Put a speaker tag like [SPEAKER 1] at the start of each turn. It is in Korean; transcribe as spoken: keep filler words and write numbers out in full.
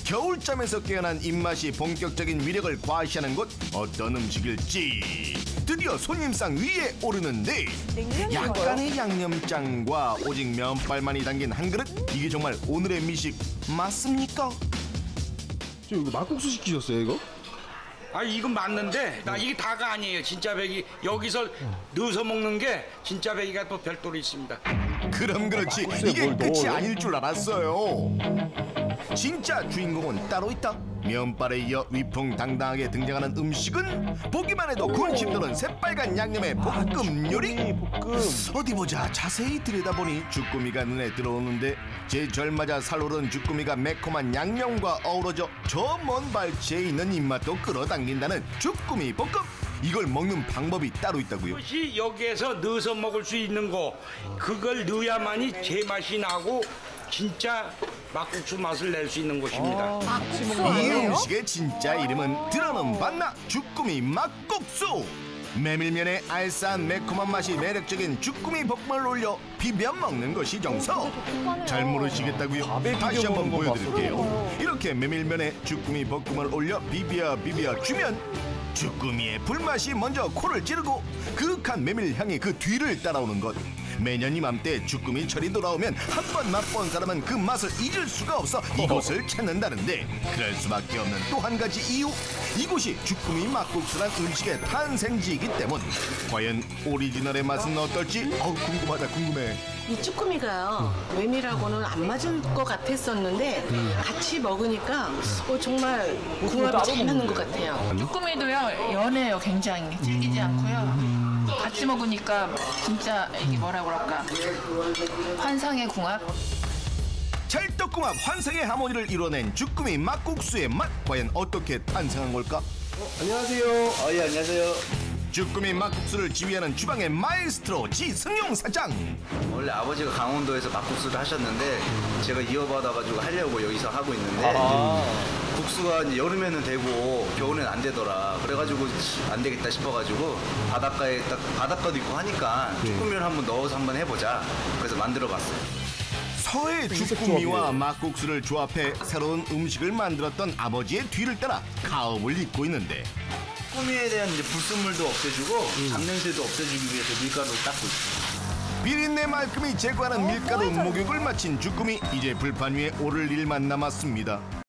[SPEAKER 1] 겨울잠에서 깨어난 입맛이 본격적인 위력을 과시하는 곳 어떤 음식일지 드디어 손님상 위에 오르는데 약간의 양념장과 오직 면발만이 담긴 한 그릇 이게 정말 오늘의 미식 맞습니까?
[SPEAKER 2] 저 이거 막국수 시키셨어요 이거?
[SPEAKER 3] 아 이건 맞는데 나 이게 다가 아니에요. 진짜 배기 여기서 넣어서 먹는 게 진짜 배기가 또 별도로 있습니다.
[SPEAKER 1] 그럼 그렇지 이게 끝이 아닐 줄 알았어요. 진짜 주인공은 따로 있다. 면발에 이어 위풍당당하게 등장하는 음식은 보기만 해도 군침 도는 새빨간 양념의 볶음 요리.
[SPEAKER 2] 볶음.
[SPEAKER 1] 어디 보자. 자세히 들여다보니 주꾸미가 눈에 들어오는데 제절맞아 살오른 주꾸미가 매콤한 양념과 어우러져 저 먼 발치에 있는 입맛도 끌어당긴다는 주꾸미 볶음. 이걸 먹는 방법이 따로 있다고요?
[SPEAKER 3] 그것이 여기에서 넣어서 먹을 수 있는 거 그걸 넣어야만이 제맛이 나고 진짜 막국수 맛을 낼 수 있는 것입니다.
[SPEAKER 4] 아,
[SPEAKER 1] 이 음식의 진짜 이름은 들어는 봤나? 주꾸미 막국수! 메밀면에 알싸한 매콤한 맛이 매력적인 주꾸미 볶음을 올려 비벼 먹는 것이 정석. 잘 모르시겠다고요? 다시 한번 보여드릴게요. 이렇게 메밀면에 주꾸미 볶음을 올려 비벼 비벼 주면 주꾸미의 불맛이 먼저 코를 찌르고 그윽한 메밀 향이 그 뒤를 따라오는 것. 매년 이맘때 주꾸미 철이 돌아오면 한 번 맛본 사람은 그 맛을 잊을 수가 없어 이곳을 찾는다는데 그럴 수밖에 없는 또 한 가지 이유. 이곳이 주꾸미 막국수란 음식의 탄생지이기 때문. 과연 오리지널의 맛은 어떨지 어우, 궁금하다 궁금해.
[SPEAKER 5] 이 쭈꾸미가요 메밀하고는 안 맞을 것 같았었는데 같이 먹으니까 어, 정말 궁합이 잘 맞는 것 같아요.
[SPEAKER 4] 쭈꾸미도요 연해요. 굉장히 질기지 않고요. 같이 먹으니까 진짜 이게 뭐라 그럴까 환상의 궁합.
[SPEAKER 1] 찰떡궁합 환상의 하모니를 이뤄낸 주꾸미 막국수의 맛 과연 어떻게 탄생한 걸까?
[SPEAKER 2] 어, 안녕하세요.
[SPEAKER 6] 아, 예, 안녕하세요.
[SPEAKER 1] 주꾸미 막국수를 지휘하는 주방의 마에스트로 지승용 사장.
[SPEAKER 6] 원래 아버지가 강원도에서 막국수를 하셨는데 제가 이어받아가지고 하려고 여기서 하고 있는데
[SPEAKER 2] 아.
[SPEAKER 6] 국수가 이제 여름에는 되고 겨울에는 안 되더라. 그래가지고 안 되겠다 싶어가지고 바닷가에 딱 바닷가도 있고 하니까 쭈꾸미를 한번 넣어서 한번 해보자. 그래서 만들어봤어요.
[SPEAKER 1] 서해 주꾸미와 막국수를 조합해 새로운 음식을 만들었던 아버지의 뒤를 따라 가업을 잇고 있는데
[SPEAKER 6] 쭈꾸미에 대한 이제 불순물도 없애주고 잡냄새도 없애주기 위해서 밀가루를 닦고 있어요.
[SPEAKER 1] 비린내 말끔히 제거하는 밀가루 목욕을 마친 주꾸미 이제 불판 위에 오를 일만 남았습니다.